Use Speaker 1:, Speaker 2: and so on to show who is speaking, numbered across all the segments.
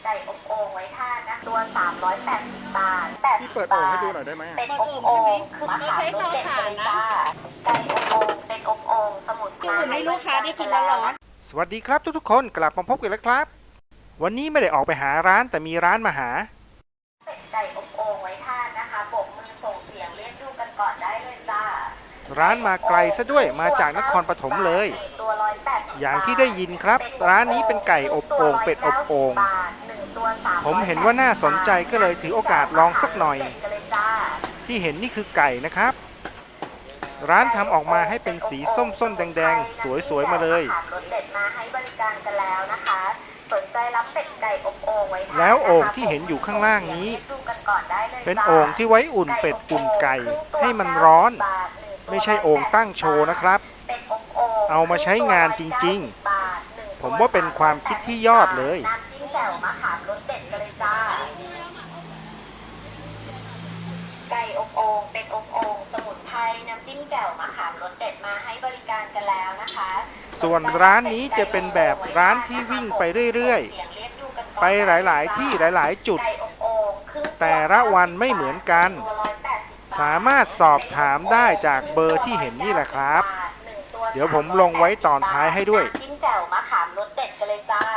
Speaker 1: ก่อบโอ่งไว้ทานนะตัว380 บาท
Speaker 2: พี่เปิดโอ่งให้ดูหน่อยได้ไหม
Speaker 1: เป็นอบโอ่งคือมะขามรสเด็ดเลยจ้าไก่อบโอ่งเป็นอบโอ่งสมุนไพร
Speaker 3: ให้ลูกค้าได้กินร้อน
Speaker 2: ๆสวัสดีครับทุกๆคนกลับมาพบกันแล้วครับวันนี้ไม่ได้ออกไปหาร้านแต่มีร้านมาหา
Speaker 1: เป็ดไก่อบโอ่งไว้ทานนะคะโบกมือส่งเสียงเรียกดูกันก่อนได้เลยจ้า
Speaker 2: ร้านมาไกลซะด้วยมาจากนครปฐมเลยอย่างที่ได้ยินครับร้านนี้เป็นไก่อบโอ่งเป็ดอบโอ่งผมเห็นว่าน่าสนใจก็เลยถือโอกาสลองสักหน่อยที่เห็นนี่คือไก่นะครับร้านทำออกมาให้เป็นสีส้มๆแดงๆสวยๆมาเลยแล้วโอ่งที่เห็นอยู่ข้างล่างนี้เป็นโอ่งที่ไว้อุ่นเป็ดอุ่นไก่ให้มันร้อนไม่ใช่โอ่งตั้งโชว์นะครับเอามาใช้งานจริงๆผมว่าเป็นความคิดที่ยอดเลย
Speaker 1: ไก่อบโอ่งเป็นอบโอ่งสมุนไพรน้ำจิ้มแจ่วมะขามรสเด็ดมาให้บริการกันแล้วนะคะ
Speaker 2: ส่วนร้านนี้จะเป็นแบบร้านที่วิ่งไปเรื่อยๆไปหลายๆที่หลายๆจุดแต่ละวันไม่เหมือนกันสามารถสอบถามได้จากเบอร์ที่เห็นนี่แหละครับเดี๋ยวผมลงไว้ตอนท้ายให้ด้วย
Speaker 1: จิ้มแจ่วมะขามรสเด็ดกันเลยจ้า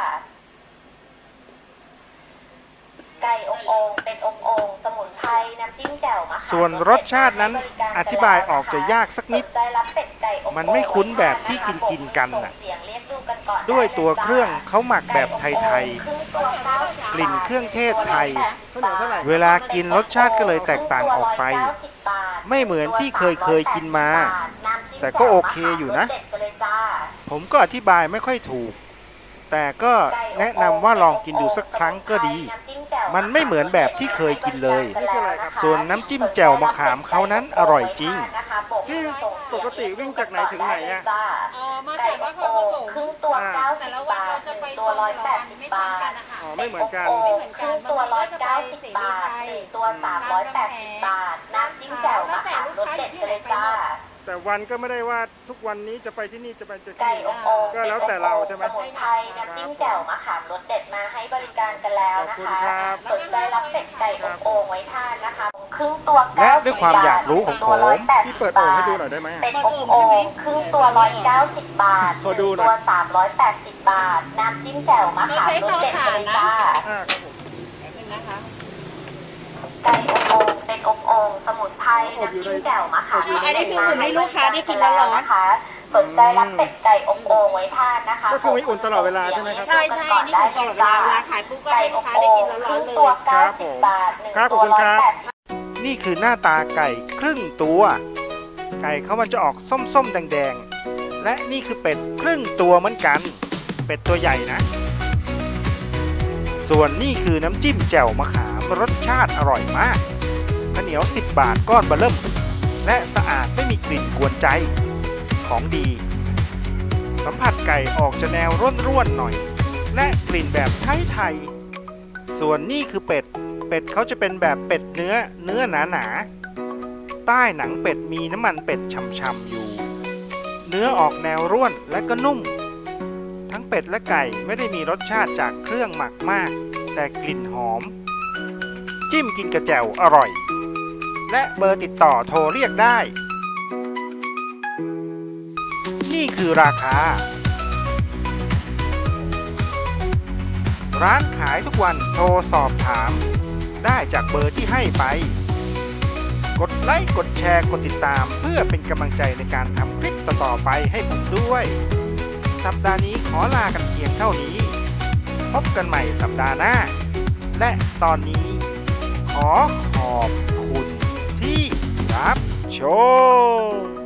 Speaker 1: ไก่อบโอ่งเป็นอบโอ่งสมุนไพรน้ำจิ้มแจ่วมะขาม
Speaker 2: ส่วนรสชาตินั้นอธิบายออกจะยากสักนิดมันไม่คุ้นแบบที่กินกันน่ะด้วยตัวเครื่องเขาหมักแบบไทยๆกลิ่นเครื่องเทศไทยเวลากินรสชาติก็เลยแตกต่างออกไปไม่เหมือนที่เคยกินมาแต่ก็โอเคอยู่นะผมก็อธิบายไม่ค่อยถูกแต่ก็แนะนำว่าลองกินดูสักครั้งก็ดีมันไม่เหมือนแบบที่เคยกินเลยส่วนน้ำจิ้มแจ่วมะขามเขานั้นอร่อยจริงที่ปกติวิ่งจากไหนถึงไหนอะ
Speaker 3: มาจากว่าเขา
Speaker 1: ครึ่งตัว90 บาทตัว180 บาท
Speaker 2: ไม่เหมือนกัน
Speaker 1: ครึ่งตัว190 บาทตัว380 บาทน้ำจิ้มแจ่วมะขามรสเด็ดเลยจ้า
Speaker 2: แต่วันก็ไม่ได้ว่าทุกวันนี้จะไปที่นี่จะไปที่นี่ก็แล้วแต่เราใช่ไหม
Speaker 1: สมุนไพรน้ำจิ้มแจ่วมะขามรสเด็ดมาให้บริการกันแล้วนะคะสนใจรับเป็ดไก่อบโอ่งไว้ทานนะคะครึ่งตัว
Speaker 2: และด้วยความอยากรู้ของผมพี่เปิดโอ่งให้ดูหน่อยได้ไหม
Speaker 1: เป็ดอบโอ่งครึ่งตัว190 บาทตัว380 บาทน้ำจิ้มแจ่วมะขามรสเด็ดเลยจ้าไก่อบโอ่งเป็นอบโอ่งสมุนไพรน้ำจิ้มแจ่วมะขาม
Speaker 3: อันนี้คืออุ่นให้ลูกค้าได้กินร้อน
Speaker 1: นะคะสนใจรับเป็ดไก่อบโอ่งไว้ทานนะคะ
Speaker 2: ก็คือมีอุ่นตลอดเวลาใช่ไหมครับ
Speaker 3: ใช่ใช่นี่อุ่นตลอดเวลาขายปุ๊บก็ให้ลูกค้าได้กินร้อนๆเลย
Speaker 2: ครับผมครับขอบคุณครับนี่คือหน้าตาไก่ครึ่งตัวไก่เขามันจะออกส้มๆแดงๆและนี่คือเป็ดครึ่งตัวเหมือนกันเป็ดตัวใหญ่นะส่วนนี่คือน้ำจิ้มแจ่วมะขามรสชาติอร่อยมากข้าวเหนียว10 บาทก้อนเบอร์เริ่มและสะอาดไม่มีกลิ่นกวนใจของดีสัมผัสไก่ออกจะแนวร่วนๆหน่อยและกลิ่นแบบไทยๆส่วนนี่คือเป็ดเขาจะเป็นแบบเป็ดเนื้อหนาๆใต้หนังเป็ดมีน้ำมันเป็ดฉ่ำๆอยู่เนื้อออกแนวร่วนและก็นุ่มทั้งเป็ดและไก่ไม่ได้มีรสชาติจากเครื่องหมักมากแต่กลิ่นหอมจิ้มกินกระแจ่วอร่อยและเบอร์ติดต่อโทรเรียกได้นี่คือราคาร้านขายทุกวันโทรสอบถามได้จากเบอร์ที่ให้ไปกดไลค์กดแชร์กดติดตามเพื่อเป็นกำลังใจในการทำคลิปต่อๆไปให้ผมด้วยสัปดาห์นี้ขอลากันเพียงเท่านี้พบกันใหม่สัปดาห์หน้าและตอนนี้ขอขอบคุณที่รับชม